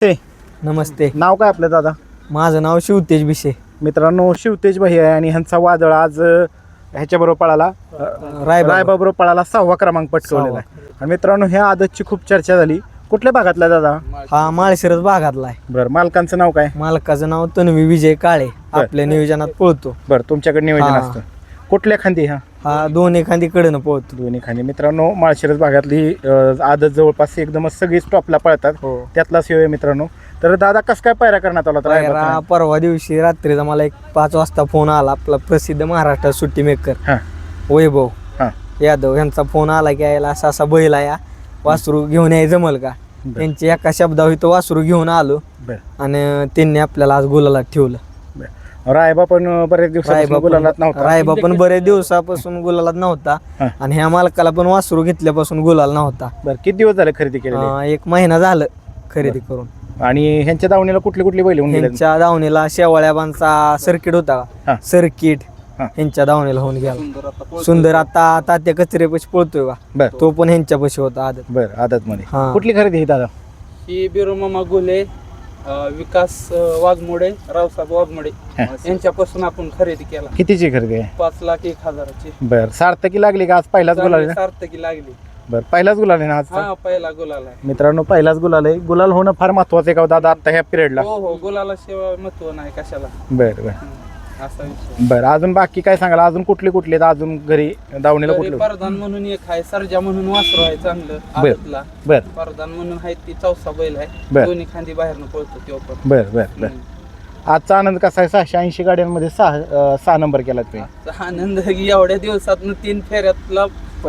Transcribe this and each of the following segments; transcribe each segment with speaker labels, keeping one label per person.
Speaker 1: ते
Speaker 2: नमस्ते.
Speaker 1: नाव काय आपलं दादा?
Speaker 2: माझं नाव शिवतेज भिशे.
Speaker 1: मित्रांनो, शिवतेज भाई आहे आणि ह्यांचा वादळ आज ह्याच्याबरोबर पळाला, रायबाबरोबर पळाला 6वा क्रमांक पटकवलेला आहे. आणि मित्रांनो, ह्या आदतची खूप चर्चा झाली. कुठल्या भागातला दादा?
Speaker 2: हा माळशिरस भागातला आहे.
Speaker 1: बरं, मालकांचं नाव काय?
Speaker 2: मालकाचं नाव तन्वी विजय काळे. आपल्या नियोजनात पळतो.
Speaker 1: बरं, तुमच्याकडे नियोजन
Speaker 2: हा.
Speaker 1: असतं. कुठल्या खांदी?
Speaker 2: हा दोन्ही खांदी कडनं पळतो.
Speaker 1: दोन्ही खांदी. मित्रांनो, माळशिरस भागातली आदत जवळपास एकदमच सगळी स्टॉपला पळतात.
Speaker 2: हो.
Speaker 1: त्यातलाच हे आहे मित्रांनो. तर दादा कसं काय पायरा करण्यात आला होता रायबाचा?
Speaker 2: परवा दिवशी रात्रीचा मला एक 5 वाजता फोन आला. आपला प्रसिद्ध महाराष्ट्र सुट्टी मेकर
Speaker 1: हां
Speaker 2: वैभव
Speaker 1: हां
Speaker 2: यादव यांचा फोन आला की यायला असा असा बैल आहे, वासरू घेऊन याय जमल का? त्यांची एका शब्दावर तो वासरू घेऊन आलो आणि त्यांनी आपल्याला आज गुलालात ठेवलं.
Speaker 1: रायबा पण बरेच दिवसापासून गुलालात नव्हता.
Speaker 2: रायबा पण बरेच दिवसापासून गुलालात नव्हता आणि ह्या मालकाला पण वासरू घेतल्यापासून गुलाल नव्हता.
Speaker 1: बरं, किती दिवस झाले खरेदी केली?
Speaker 2: 1 महिना झालं खरेदी करून.
Speaker 1: आणि ह्यांच्या दावणीला कुठली कुठली बैल होऊन गेले?
Speaker 2: ह्यांच्या दावणीला शेवाळ्याबांचा सर्किट होता. सर्किट ह्यांच्या दावणीला होऊन गेला. सुंदर आता तात्या कचरेपाशी पळतोय का?
Speaker 1: बरं,
Speaker 2: तो पण ह्यांच्यापाशी होता आदत.
Speaker 1: बरं, आदत मध्ये.
Speaker 2: हा.
Speaker 1: कुठली खरेदी ही दादा?
Speaker 3: ही बिरोमामा गुले, विकास वाघमोडे, रावसाहेब वाघमोडे यांच्यापासून आपण खरेदी केला.
Speaker 1: कितीची खरेदी आहे?
Speaker 3: 5,01,000ची.
Speaker 1: बरं, सार्थकी लागली का आज? पहिलाच गुलाल आहे ना?
Speaker 3: सार्थकी लागली.
Speaker 1: बरं, पहिलाच गुलाल आहे ना आज?
Speaker 3: हा, पहिला गुलाल आहे.
Speaker 1: मित्रांनो, पहिलाच गुलाल आहे. गुलाल होणं फार महत्वाचं आहे का दादा आता ह्या पिरियडला?
Speaker 3: हो हो, गुलाला शिवाय महत्व नाही कशाला.
Speaker 1: बरं बरं
Speaker 3: असा विषय.
Speaker 1: बरं, अजून बाकी काय सांगाल? अजून कुठले कुठले आहेत अजून घरी दावणीला
Speaker 3: तरी
Speaker 1: कुठले?
Speaker 3: परधान म्हणून एक आहे, सर्जा म्हणून वासरू आहे चांगलं आदतला.
Speaker 1: बरं
Speaker 3: परधान म्हणून आहे, ती चौसा बैल आहे.
Speaker 1: बरं.
Speaker 3: दोन्ही खांदी बाहेरनं पळतो तो पण.
Speaker 1: बरं बरं बरं. आजचा आनंद कसा आहे? 680 गाड्यांमध्ये 6 नंबर केला तुम्ही.
Speaker 3: आजचा आनंद एवढ्या दिवसातनं 3 फेऱ्यातला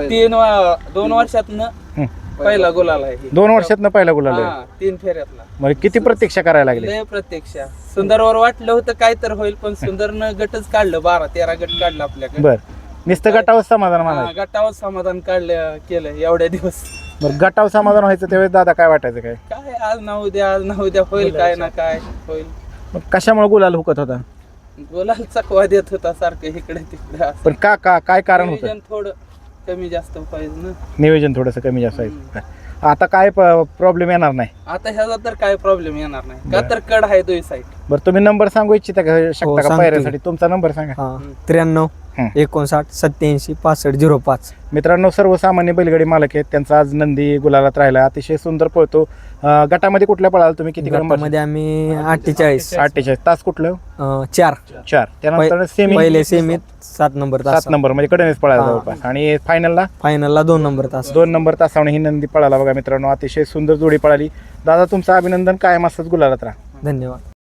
Speaker 3: 2 वर्षातनं पहिला गुलाल आहे.
Speaker 1: 2 वर्षातनं पहिला गुलाल आहे.
Speaker 3: 3 फेऱ्यातला.
Speaker 1: म्हणजे किती प्रतीक्षा करायला लागली?
Speaker 3: लय प्रत्यक्षा. सुंदरवर वाटलं होतं काय तर होईल, पण सुंदरनं गटच काढलं. 12-13 गट काढलं आपल्याकडे.
Speaker 1: बरं, नुसतं गटावर समाधान म्हणायचं?
Speaker 3: गटावर समाधान केलं एवढ्या दिवस.
Speaker 1: बरं, गटावर समाधान व्हायचं त्यावेळेस दादा काय वाटायचं? काय
Speaker 3: काय आज ना उद्या होईल, काय ना काय होईल.
Speaker 1: मग कशामुळे गुलाल हुकत होता?
Speaker 3: गुलाल चकवा देत होता सारखं इकडे तिकडे.
Speaker 1: पण काय कारण होतं?
Speaker 3: नियोजन थोडं कमी जास्त पाहिजे ना.
Speaker 1: नियोजन थोडंसं कमी जास्त आहे. आता काय प्रॉब्लेम येणार नाही?
Speaker 3: आता ह्याचा तर काय प्रॉब्लेम येणार नाही का, तर कड आहे 2 साईड.
Speaker 1: बरं, तुम्ही नंबर सांगू इच्छिता का शकता का
Speaker 2: सांगतो.
Speaker 1: पायऱ्यासाठी? तुमचा नंबर सांगा.
Speaker 2: 93 59 87 65 05.
Speaker 1: मित्रांनो, सर्वसामान्य बैलगाडी मालक आहेत. त्यांचा आज नंदी गुलालात राहिला, अतिशय सुंदर पळतो. गटामध्ये कुठल्या पळाला तुम्ही? किती क्रमांक?
Speaker 2: गटामध्ये आम्ही 48
Speaker 1: तास कुठलं?
Speaker 2: 4.
Speaker 1: त्यानंतर सेमी
Speaker 2: पहिले सेमीत 7 नंबर तास.
Speaker 1: 7 नंबर म्हणजे कडेनेच पळाला जवळपास. आणि फायनलला
Speaker 2: फायनलला 2 नंबर तास.
Speaker 1: 2 नंबर तासावणे ही नंदी पळाला. बघा मित्रांनो, अतिशय सुंदर जोडी पळाली. दादा, तुमचं अभिनंदन. कायम असंच गुलालात राहा.
Speaker 2: धन्यवाद.